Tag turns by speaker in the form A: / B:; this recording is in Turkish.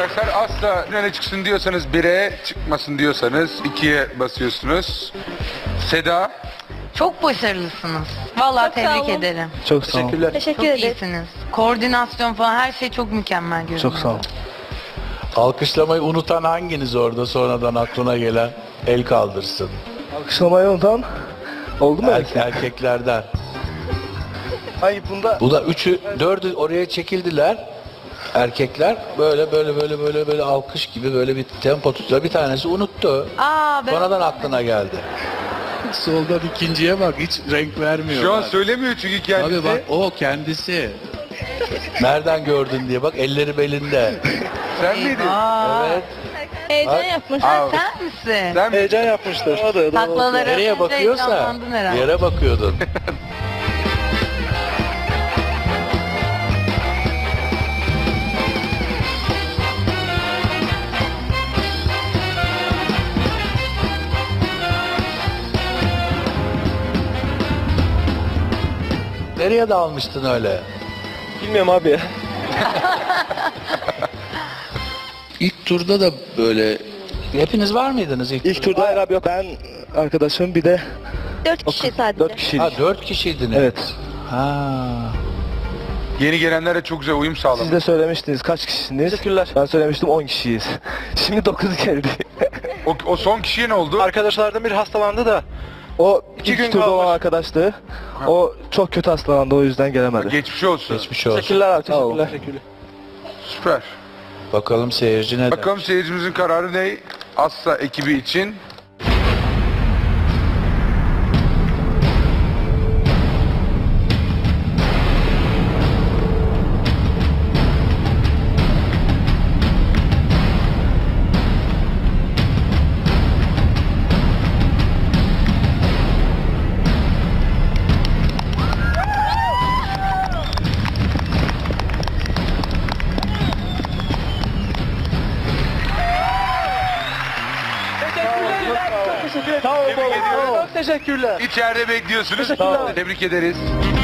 A: arkadaşlar asla öne çıksın diyorsanız 1'e, çıkmasın diyorsanız 2'ye basıyorsunuz. Seda.
B: Çok başarılısınız. Vallahi
C: Çok sağ
B: tebrik
C: olun.
B: ederim.
D: Çok sağ ol.
E: Teşekkürler.
C: Teşekkür
B: Çok
C: ederiz.
B: iyisiniz. Koordinasyon falan her şey çok mükemmel görünüyor.
D: Çok sağ ol.
F: Alkışlamayı unutan hanginiz orada sonradan aklına gelen el kaldırsın?
D: Alkışlamayı unutan oldu mu?
F: Erkeklerden.
D: Hayır bunda
F: Bu da dördü oraya çekildiler. Erkekler böyle alkış gibi böyle bir tempo tutuyor. Bir tanesi unuttu.
B: Aa, ben
F: Sonradan aklına geldi. Soldan ikinciye bak, hiç renk vermiyor.
A: Şu an söylemiyor çünkü kendisi.
F: Abi bak, o kendisi. Nereden gördün diye bak, elleri belinde.
A: Sen miydin?
B: Aa,
F: Evet.
C: Heyecan yapmış.
B: sen misin?
A: Sen mi?
D: heyecan yapmıştır.
B: Taklaları
F: Nereye
B: atınca
F: bakıyorsa
B: heyecanlandın herhalde.
F: yere bakıyordun. Nereye dalmıştın öyle?
D: Bilmiyorum abi ya.
F: İlk turda da böyle hepiniz var mıydınız ilk
D: İlk turda hayır abi yok. Ben arkadaşım bir de
C: 4 kişi sadece.
D: 4 kişiydik.
F: Ha, 4 kişiydiniz.
D: Evet.
F: Ha.
A: Yeni gelenlere çok güzel uyum
D: Siz
A: sağlamış.
D: de söylemiştiniz kaç kişisiniz? Teşekkürler. Ben söylemiştim 10 kişiyiz. Şimdi 9 geldi.
A: O son kişiye ne oldu?
G: Arkadaşlardan biri hastalandı da
D: O
G: İki
D: 2
G: gün
D: turda olan
G: kalmış.
D: arkadaştı. O çok kötü hastalandı o yüzden gelemedi.
A: Geçmiş olsun.
F: Geçmiş olsun.
D: Teşekkürler abi
G: Sağ ol.
D: teşekkürler.
A: Süper.
F: Bakalım seyirci ne der?
A: Bakalım seyircimizin kararı ne? Assa ekibi için.
G: Çok teşekkürler.
A: İçeride bekliyorsunuz. Tebrik ederiz.